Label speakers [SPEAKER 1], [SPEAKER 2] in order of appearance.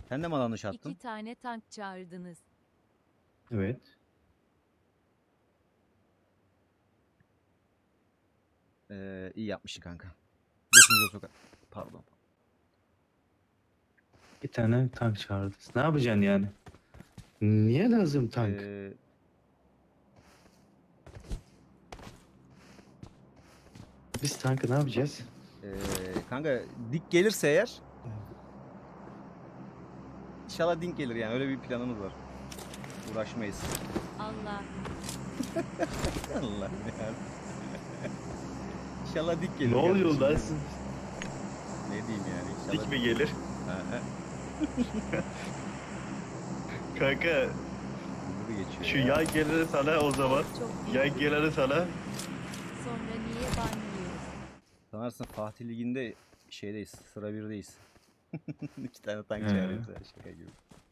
[SPEAKER 1] Sen de mi alan dışı attın?
[SPEAKER 2] 2 tane tank çağırdınız.
[SPEAKER 3] Evet.
[SPEAKER 1] İyi yapmışsın kanka. Götümüze sokar. Pardon.
[SPEAKER 3] Bir tane tank çağırdı. Ne yapacaksın yani? Niye lazım tank? Biz tankı ne yapacağız?
[SPEAKER 1] Kanka dik gelirse eğer İnşallah dink gelir yani öyle bir planımız var. Uğraşmayız.
[SPEAKER 2] Allah.
[SPEAKER 1] Allah yani. İnşallah dik gelir.
[SPEAKER 3] Ne oluyor
[SPEAKER 1] kardeşim
[SPEAKER 3] lan?
[SPEAKER 1] benim. Ne diyeyim yani inşallah.
[SPEAKER 3] Dik mi gelir?
[SPEAKER 1] Ha, ha.
[SPEAKER 3] Kanka
[SPEAKER 1] Hızlı geçiyor
[SPEAKER 3] şu
[SPEAKER 1] ya.
[SPEAKER 3] yan geliri sana o zaman.
[SPEAKER 2] Çok iyi.
[SPEAKER 3] Yan geliri sana.
[SPEAKER 2] Sonra niye banlıyoruz?
[SPEAKER 1] Sanarsın Fatih Ligi'nde şeydeyiz. Sıra 1'deyiz. 2 tane tank
[SPEAKER 3] He.
[SPEAKER 1] çağırıyoruz ya, şaka gibi.